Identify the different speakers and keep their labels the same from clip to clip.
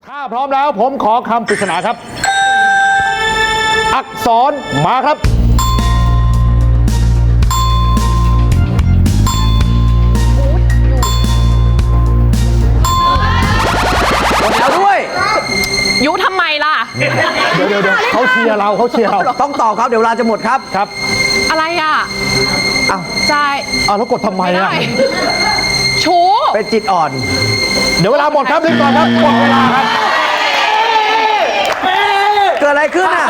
Speaker 1: ถ้าพร้อมแล้วผมขอคำปริศนาครับ อักษรมาครับ
Speaker 2: แล้วด้วย
Speaker 3: ยุทำไมล่ะ
Speaker 1: เดี๋ยวเขาเชียร์เรา
Speaker 2: ต้องตอบครับเดี๋ยวเวลาจะหมดครับ
Speaker 1: ครับ
Speaker 3: อะไรอ่ะ
Speaker 2: อ้าว
Speaker 3: ใจ
Speaker 1: แล้วกดทำไม
Speaker 3: ไม่
Speaker 1: อ่ะ
Speaker 3: ได้ชู้
Speaker 2: เป็นจิตอ่อน
Speaker 1: เดี๋ยวเวลาหมดครับรีบก่อนครับหมดเวลาครับ
Speaker 2: เกิดอะไรขึ้นอ่ะ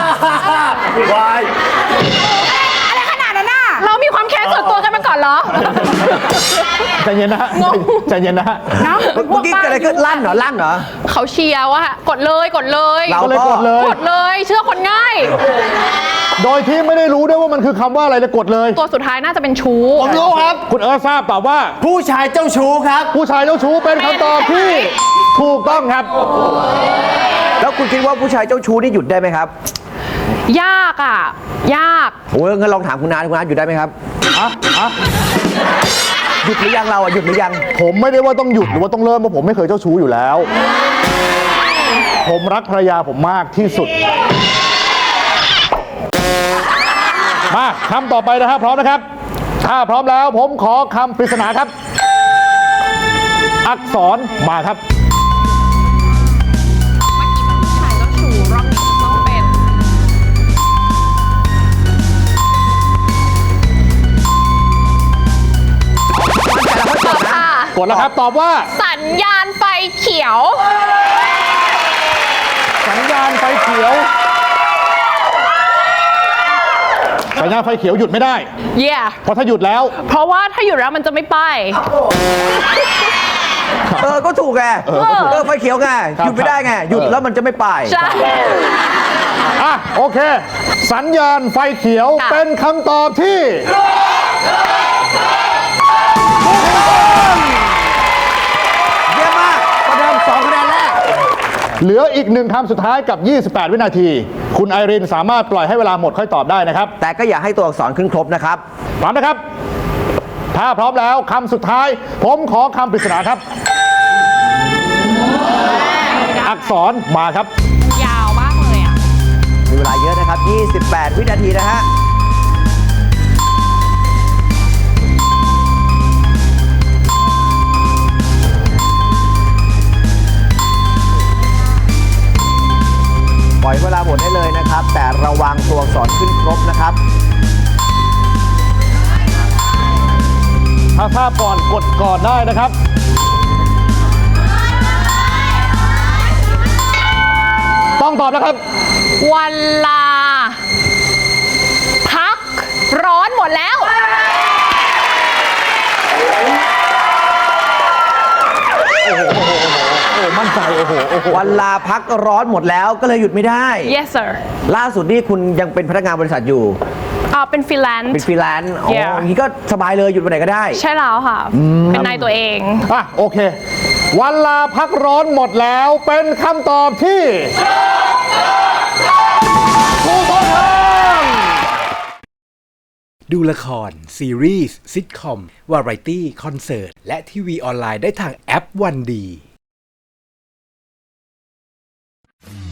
Speaker 3: อะไรขนาดนั้นน่ะเรามีความแค้นส่วนตัวกันมาก่อนเหรอ
Speaker 1: ใจเย็นนะฮะใจเย็นนะฮะ
Speaker 3: เนาะ
Speaker 2: เมื่อกี้เกิดอะไรขึ้นลั่นเหรอ
Speaker 3: เขาเชียร์ว่ากดเลยกดเลย
Speaker 2: เรา
Speaker 1: ก็เลยกดเลย
Speaker 3: กดเลยเชื่อคนง่าย
Speaker 1: โดยที่ไม่ได้รู้ด้วยว่ามันคือคำว่าอะไรเลยกดเลย
Speaker 3: ตัวสุดท้ายน่าจะเป็นชู้
Speaker 1: ผมรู้ครับ คุณเอิร์ธทราบตอบว่า
Speaker 2: ผู้ชายเจ้าชู้ครับ
Speaker 1: ผู้ชายเจ้าชู้เป็นคำตอบที่ถูกต้องครับ
Speaker 2: แล้วคุณคิดว่าผู้ชายเจ้าชู้นี่หยุดได้ไหมครับ
Speaker 3: ยากอ่ะ ยาก
Speaker 2: โอ้ยงั้นลองถามคุณนาหยุดได้ไหมครับ หยุดหรือยังเราหยุดหรือยัง
Speaker 1: ผมไม่ได้ว่าต้องหยุดหรือว่าต้องเริ่มเพราะผมไม่เคยเจ้าชู้อยู่แล้ว ผมรักภรรยาผมมากที่สุด มาคำต่อไปนะครับพร้อมนะครับ ถ้าพร้อมแล้วผมขอคำปริศนาครับ อักษรมาครับ
Speaker 3: ผู้ชายเจ้าชู้รอบนี้ต้องเป็นค่ะ
Speaker 1: กดแล้วครับตอบว่า
Speaker 3: สัญญาณไฟเขียว
Speaker 1: สัญญาณไฟเขียว สัญญาณไฟเขียวหยุดไม่ได้
Speaker 3: yeah
Speaker 1: เพราะถ้าหยุดแล้ว
Speaker 3: เพราะว่าถ้าหยุดแล้วมันจะไม่ไป
Speaker 2: ก็ถูกไงไฟเขียวไง
Speaker 1: ครับ
Speaker 2: หยุดไม่ได้ไง หยุดแล้วมันจะไม่ไป
Speaker 3: ใช่
Speaker 1: โอเค สัญญาณไฟเขียว
Speaker 3: ค่ะ
Speaker 1: เป็นคำตอบที่
Speaker 2: เยี่ยมมากประเดิม2คะแนนแรก
Speaker 1: เหลืออีกหนึ่งคำสุดท้ายกับ 28 วินาที คุณไอรินสามารถปล่อยให้เวลาหมดค่อยตอบได้นะครับ
Speaker 2: แต่ก็อย่าให้ตัวอักษรขึ้นครบนะครับ
Speaker 1: พร้อมนะครับ ถ้าพร้อมแล้วคำสุดท้าย ผมขอคำปริศนาครับ อักษรมาครับ
Speaker 3: ยาวมากเลยอ่ะ
Speaker 2: มีเวลาเยอะนะครับ 28 วินาทีนะฮะ ปล่อยเวลาหมดได้เลยนะครับ แต่ระวังตัวอักษรขึ้นครบนะครับ
Speaker 1: ถ้าทราบก่อนกดก่อนได้นะครับ ต้องตอบนะครับ
Speaker 3: วันลา พัก ร้อนหมดแล้ว
Speaker 1: มั่นใจโอ้โห
Speaker 2: วันลาพักร้อนหมดแล้วก็เลยหยุดไม่ได้
Speaker 3: yes sir
Speaker 2: ล่าสุดนี่คุณยังเป็นพนักงานบริษัทอยู่
Speaker 3: เป็นฟรีแลนซ์
Speaker 2: เป็นฟรีแลนซ์อ๋อ
Speaker 3: Yeah
Speaker 2: อย่างนี้ก็สบายเลยหยุดวันไหนก็ได้
Speaker 3: ใช่แล้วค่ะ เป็นนายตัวเอง
Speaker 1: โอเค วันลาพักร้อนหมดแล้วเป็นคำตอบที่ถูกต้องครับ
Speaker 4: ดูละคร ซีรีส์ซิทคอม วาไรตี้ คอนเสิร์ต และทีวีออนไลน์ได้ทางแอปวันดี